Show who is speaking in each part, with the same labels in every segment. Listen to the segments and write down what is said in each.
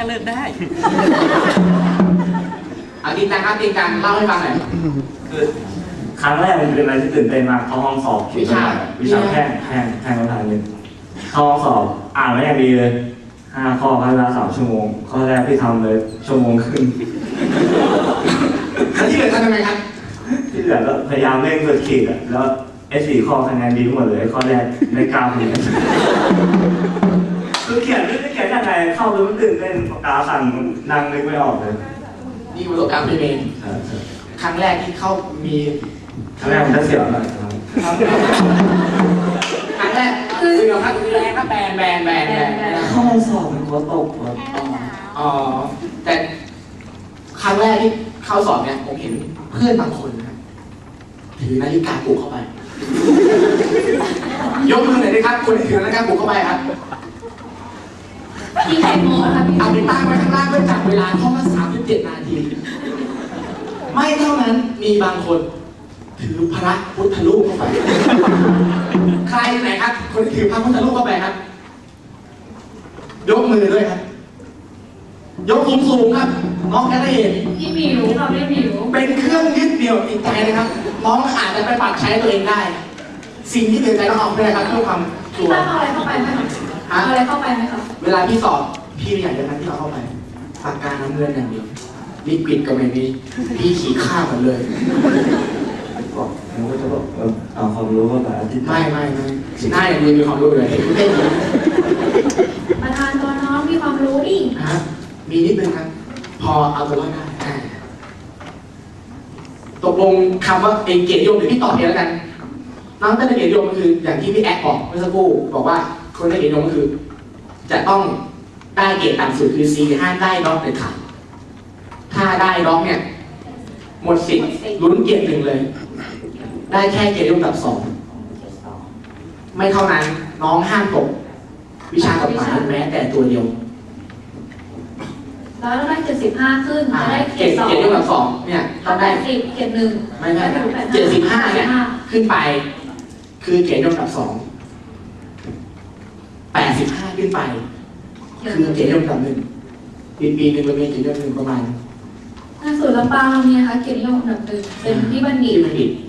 Speaker 1: เลิกได้
Speaker 2: เอาจริงจังครับจริงจังเล่าให้ฟังหน่อย
Speaker 3: คือครั้งแรกมันเป็นอะไรที่ตื่นเต้นมากเข้าห้องสอบวิชาแพงประธานเลยเข้าห้องสอบอ่านไม่อย่างดีเลย5 ข้อใช้เวลา3 ชั่วโมงข้อแรกที่ทำเลย1 ชั่วโมงครึ่ง
Speaker 2: แล้วที่เหลือทำยังไงครับ
Speaker 3: ที่เหลือก็พยายามเร่งสุดขีดอ่ะแล้ว4 ข้อคะแนนดีทั้งหมดเลยข้อแรกไม่กล้าเขียนคือเขียนไม่ได้เขียนยังไงเข้าไปมันตื่นเต้นปากกาสั่นนั่งนึกไม่ออกเลย
Speaker 2: นี่ประสบการณ์พี่เมย์ครั้งแรกที่เข้ามี
Speaker 3: ครั้งแรกมันจะเสียวหน่อย
Speaker 2: ครั้งแรกคือครับแรงครับแบน
Speaker 3: เข้าสอบมันกลัวตก
Speaker 2: อ๋อแต่ครั้งแรกที่เข้าสอบเนี่ยผมเห็นเพื่อนบางคนนะถือนาฬิกาปลุกเข้าไปยกมือหน่อยดิครับคนที่ถือนาฬิกาปลุกเข้าไปครับ
Speaker 4: พี่แตงโมค่ะพี่
Speaker 2: เอาไปตั้งไว้ข้างล่างเพื่อจับเวลาข้อละ37 นาทีไม่เท่านั้นมีบางคนถือพระพุทธรูปเข้าไปใครไหนครับคนที่ถือพระพุทธรูปเข้าไปครับยกมือด้วยครับยกสูงๆครับน้องจะได้เห็น
Speaker 4: พี่หมิวค่ะพี่หมิว
Speaker 2: เป็นเครื่องยึดเหนี่ยวจิตใจนะครับน้องอาจจะไปปรับใช้ตัวเองได้สิ่งที่เหนือใจต้องเอาไปเลยครับเพื่อความ
Speaker 4: ชัวร์เอาอะไรเข้าไปไหมคะเอาอะไรเข้าไปไหมคะ
Speaker 2: เวลาพี่สอบพี่ไม่อยากจะทำที่เราเข้าไปปากกาน้ำเงินอย่างเดียวลิควิดก็ไม่มีพี่ขี่ข้าวหมดเลย
Speaker 3: บอกมันก็จะบอกเอาความรู้เข้าไป
Speaker 2: ไม่หน้าอย่างนี้มีความรู้เลยคุณเต้น
Speaker 4: ประธานตัวน้องมีความรู้ดิ
Speaker 2: มีนิดนึงครับพอเอาตัวรอดได้ตกลงคำว่าเกียรตินิยมเดี๋ยวพี่ตอบเองแล้วกันน้องได้เกียรตินิยมก็คืออย่างที่พี่แอ๊กบอกเมื่อสักครู่บอกว่าคนได้เกียรตินิยมก็คือจะต้องได้เกรดต่ำสุดคือ C ห้ามได้ด็อกเด็ดขาดถ้าได้ด็อกเนี่ยหมดสิทธิ์ลุ้นเกียรติ1เลยได้แค่เกียรตินิยมแบบ2ไม่เท่านั้นน้องห้ามตกวิชากฎหมายแม้แต่ตัวเดียว
Speaker 4: แล้วได้75ขึ้นจะได้เกรด2
Speaker 2: เกียรตินิยมแบบ2เนี่ยต้องได้
Speaker 4: เกรด1
Speaker 2: ไม่75เนี่ยขึ้นไปคือเกียรตินิยมแบบ2 85ขึ้นไปคือเกียรตินิยมแบบ1ปีนึงเรามีเกียรตินิยม1ประมาณ
Speaker 4: ส่วนลำปางเรามีนะคะเกียรตินิยมแบบ1เป็นที่บัณฑิต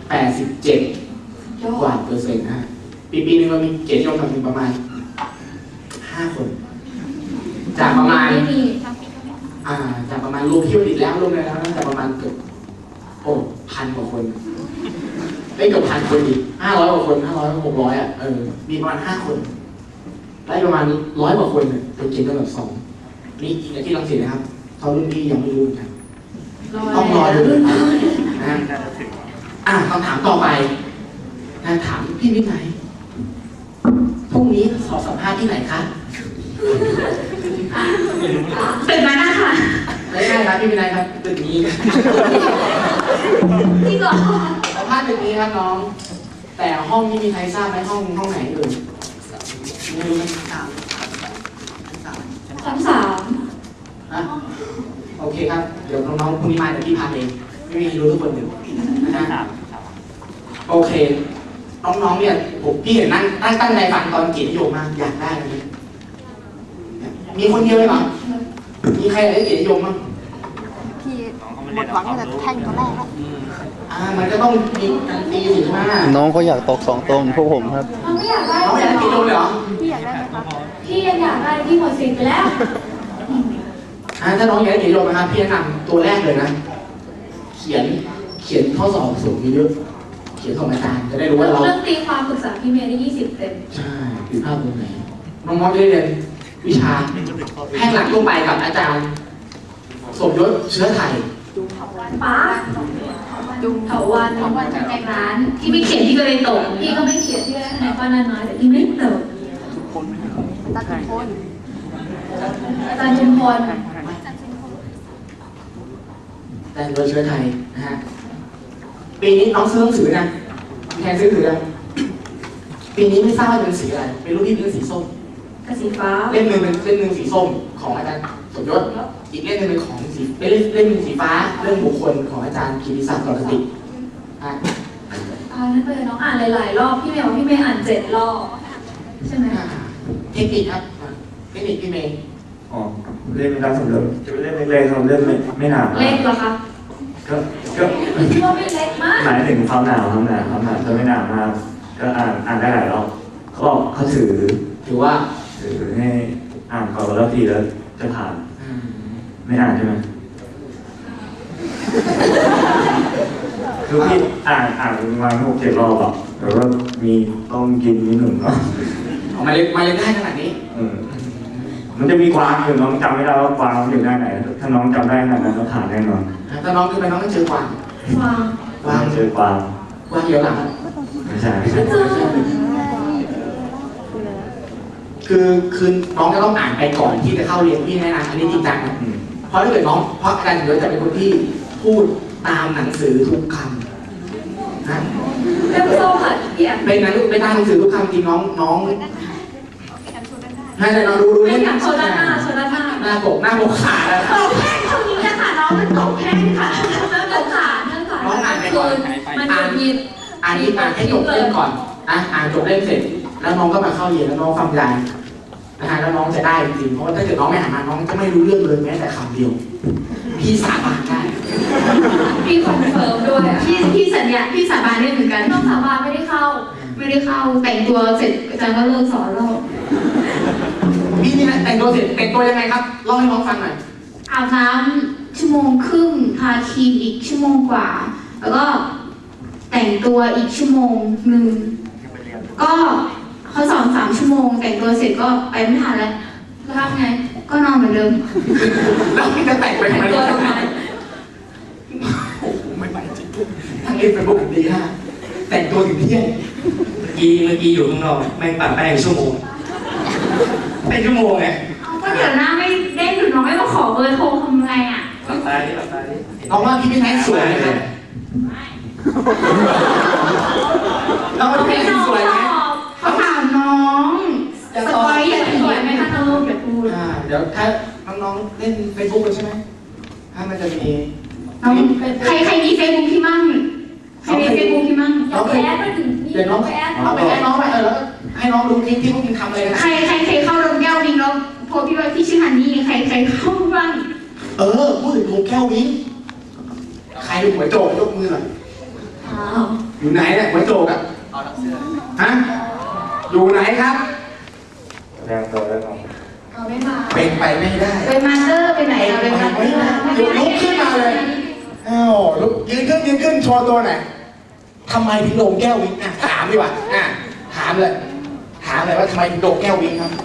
Speaker 2: 87กว่าเปอร์เซ็นต์นะปีนึงเรามีเกียรตินิยมแบบ1ประมาณ5 คนจากประมาณจากประมาณรวมที่บัณฑิตแล้วรวมแล้วน่าจะประมาณเกือบ1,000 กว่าคนได้เกือบ1,000 คนอีก500 กว่าคน500 600มีประมาณ5 คนได้ประมาณ100 กว่าคนเป็นเกียรตินิยมแบบ2นี่จริงที่รังสิตนะครับเขารุ่นพี่ยังไม่รู้กันต้องรอดูนะคำถามต่อไปถามพี่วินัยพรุ่งนี้สอบสัมภาษณ์ที่ไหนคะ
Speaker 4: ตึกนั้นนะคะ
Speaker 2: ไม่ใช่ครับพี่วินัยครับตึกนี้
Speaker 4: จริงเหรอ
Speaker 2: สัมภาษณ์ตึกนี้ครับน้องแต่ห้องนี้มีใครทราบไหมห้องไหนไม่รู้
Speaker 4: ชั้น 3
Speaker 2: โอเคครับเดี๋ยวน้องๆพรุ่งนี้มาเดี๋ยวพี่พาเองไม่มีรู้ทุกคนอยู่นะครับโอเคน้องๆเนี่ยพี่เห็นนั่งตั้งใจฟังตอนเกียรตินิยมมากอยากได้เลยมีคนเดียวเลยเหรอมีใครได้เกียรตินิยมมั้ง
Speaker 5: พี่หมดหวังแต่แท่งตัวแรกแล้ว
Speaker 2: มันก็ต้องมีการตีสิใช่ไหม
Speaker 6: น้องเขาอยากตก2 ตรงพวกผมครับ
Speaker 4: น้องไม่อยากได้
Speaker 2: น้องอยากได้เกียรตินิยมเลยเหรอ
Speaker 5: พี่อยากได้ไหมครับ
Speaker 4: พี่ยังอยากได้พี่หมดสิทธิ์ไปแล้ว
Speaker 2: ถ้าน้องอยากได้เกียรตินิยมนะครับพี่แนะนำตัวแรกเลยนะเขียนข้อสอบสูงเยอะเขียนส่งอาจารย์จะได้รู้ว่าเรา
Speaker 4: เรื่องตีความปรึกษาพี่เมย์ได้20 เต็ม
Speaker 2: ใช่ผิดพลาดตรงไหนน้องๆได้เรียนวิชาแพทย์หลักทั่วไปกับอาจารย์สมยศเชื้อไทย
Speaker 4: ป้าเถาวันจากแกงร้านที่ไม่เขียนที่ก็เลยตกพี่ก็ไม่เขียนที่ได้คะแนนป้าน้อยแต่พี่ไม่ตก
Speaker 5: ตาจุมพล
Speaker 4: อาจารย์จุมพล
Speaker 2: อาจารย์เชื้อไทยนะฮะปีนี้น้องซื้อหนังสือนะแทนซื้อหนังสือนะปีนี้ไม่ทราบว่าเป็นสีอะไรเป็นรูปที่เป็นสีส้ม
Speaker 4: กับสีฟ้า
Speaker 2: เล่มหนึ่งเป็นเล่มหนึ่งสีส้มของอาจารย์สมยศอีกเล่มหนึ่งเป็นของสีเล่มหนึ่งสีฟ้าเรื่องบุคคลของอาจารย์กิติศักดิ์กรติ
Speaker 4: นั่นเลยน้องอ่านหลายๆรอบพี่เมย์บอกพี่เมย์อ่าน7 รอบใช่ไหม
Speaker 2: เทคนิคครับเทคนิคพี่เมย์
Speaker 3: อ๋อเล่นไม่ได้สำเร็จจะไปเล่นเล็กๆเราเล่นไม่หนาว
Speaker 4: เล็กเหรอคะ
Speaker 3: ก็
Speaker 4: คิดว่าไม่เล็กมาก
Speaker 3: หมายถึงความหนาวจะไม่หนาวมากก็อ่านได้หลายรอบเขาบอกเขาถือว่าให้อ่านก่อนแล้วทีแล้วจะผ่านไม่อ่านใช่ไหมคือพี่อ่านประมาณ6-7 รอบอ่ะแต่ว่ามีต้องกินนิดหนึ่งเนาะ
Speaker 2: มาเล่นได้ขนาดนี้
Speaker 3: มันจะมีกวางอยู่น้องจำไม่ได้ว่ากวางอยู่ด้านไหนถ้าน้องจำได้ขนาดนั้นก็ผ่านแน่นอน
Speaker 2: ถ้าน้องขึ้นไปน้องต้องเจอกวาง
Speaker 4: วาง
Speaker 3: เจอกวาง
Speaker 2: กวางเยอะหลัง
Speaker 3: ไม่ใช่
Speaker 2: คือน้องจะต้องอ่านไปก่อนที่จะเข้าเรียนพี่แนะนำอันนี้จริงจังนะเพราะถ้าเกิดน้องเพราะอาจารย์เดี๋ยวจะเป็นคนที่พูดตามหนังสือทุกคำนะ
Speaker 4: เริ่มโซ่ค่ะพี่อ่ะ
Speaker 2: เป็นนะลูกไปตามหนังสือทุกคำจริงน้องให้เลยน้องดู
Speaker 4: ไม่
Speaker 2: นี่
Speaker 4: อยากโซดาหน้า
Speaker 2: หน้าปกขาแล้ว
Speaker 4: ตกแห้งช่วงนี้นะคะน้องมันตกแห้งค่ะเนื่องจากมันหยุดยิน
Speaker 2: อ่านให้จบเล่มก่อนอ่านจบเล่มเสร็จแล้วน้องก็มาเข้าเรียนแล้วน้องฟังยายนะฮะแล้วน้องจะได้จริงเพราะว่าถ้าเกิดน้องไม่อ่านมาน้องจะไม่รู้เรื่องเลยแม้แต่คำเดียวพี่สาบานได้
Speaker 4: พี่คอนเฟิร์มด้วยพี่สัญญาพี่สาบานได้เหมือนกันต้องสาบานไม่ได้เข้าแต่งตัวเสร็จอาจารย์ก็เลิกสอนแล้ว
Speaker 2: พี่นี่นะแต่งตัวเสร็จแต่งตัวยังไงครับเล่าให้น้องฟังหน่อย
Speaker 4: อาบน้ำชั่วโมงครึ่งทาครีมอีกชั่วโมงกว่าแล้วก็แต่งตัวอีกชั่วโมงหนึ่งก็เขาสอน3 ชั่วโมงแต่งตัวเสร็จก็ไปไม่ทันแล้วแล้วทำไงก็นอนเหมือนเดิม
Speaker 2: แล้วพี่จะแต่งไปทำไม
Speaker 4: ตัวทำไม
Speaker 2: โอ้โหไม่ไหวจริงทั้งเล่นเป็นพวกดีฮะแต่งตัวถึงเที่ยง
Speaker 1: เมื่อกี้อยู่ข้างนอกแม่งปั่นแป้งชั่วโมงเป็นชั่วโมงไง
Speaker 4: ก็เดี๋ยวหน้าไม่ได้หนูน้องไม่มาขอเบอร์โทรทำไงอ่ะ
Speaker 1: หลับตาดิ
Speaker 2: น้องว่าพี่พี่ไทยสวยไหมครับน้องว่าพี่ไทยสวยไหม
Speaker 4: เขาถามน้องสปอยอย่าสวยไหมคะน้องอย่าพูด
Speaker 2: เดี๋ยวถ้าน้องๆเล่นเฟซบุ๊กกันใช่ไหมถ้ามันจะมี
Speaker 4: น้องใครมีเฟซบุ๊กพี่มั่งใครมีเฟซบุ๊กพี่มั่ง
Speaker 2: น้องไปแอดมาถึงนี่เดี๋ยวน้องไปแอดน้องไปแล้วให้น้องดูคลิปที่พวกมึงทำเลยนะ
Speaker 4: ใครเข้าลงแก้ววิงแล้วโพสพี่ว่าพี่ชื่อฮันนี่ใครเข้าบ้าง
Speaker 2: พูดถึงลงแก้ววิ้งใครหัวโจกยกมือหน่อยอยู่ไหนเนี่ยหัวโจกอ่ะฮะอยู่ไหนครับ
Speaker 3: แสดงตัวแล้วน้อง
Speaker 4: เอาไม่มา
Speaker 2: เป็นไปไม่ได้
Speaker 4: ไปมาสเตอร์ไปไหนเราไปมาสเตอร์
Speaker 2: ลุกขึ้นมาเลยลุกยืนขึ้นโชว์ตัวหน่อยทำไมถึงลงแก้ววิ้งถามดีกว่าถามเลยว่าทำไมถึงลงแก้ววิ้งครับ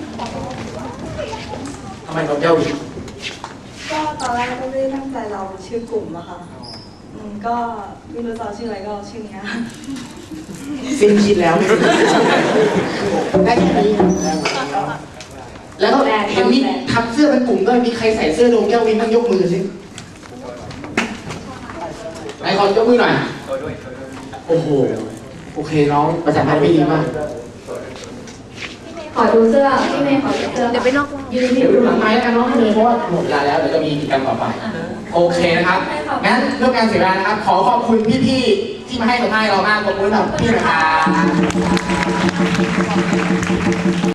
Speaker 2: ทำไมลงแก้ววิ้ง
Speaker 5: ก็ตอนแรกก็ไม่ได้ตั้งใจเราชื่อกลุ่มอะค่ะก็ไม่รู้จะเอาชื่ออะไรก็เอาชื่อนี้
Speaker 2: สิ้นคิดแล้วได้แค่นี้แล้วก็เห็นมีทับเสื้อเป็นกลุ่มด้วยมีใครใส่เสื้อลงแก้ววิ้งต้องยกมือสิไหนขอยกมือหน่อยโอ้โหโอเคน้องประจันพันธ์ไม่ดีมาก
Speaker 4: ขอดูเสื้อพี่เมย์ขอดูเสื้อ
Speaker 5: เดี๋ยวไปนอก
Speaker 4: ยืน
Speaker 2: เดี๋ยวดูหลังไม้แล้วกันน้องเลยเพราะว่าหมดเวลาแล้วเดี๋ยวจะมีกิจกรรมต่อไปโอเคนะครับงั้นเรื่องการเสียเวลานะครับขอขอบคุณพี่ๆที่มาให้สัมภาษณ์เรามากขอบคุณครับพี่นะครับ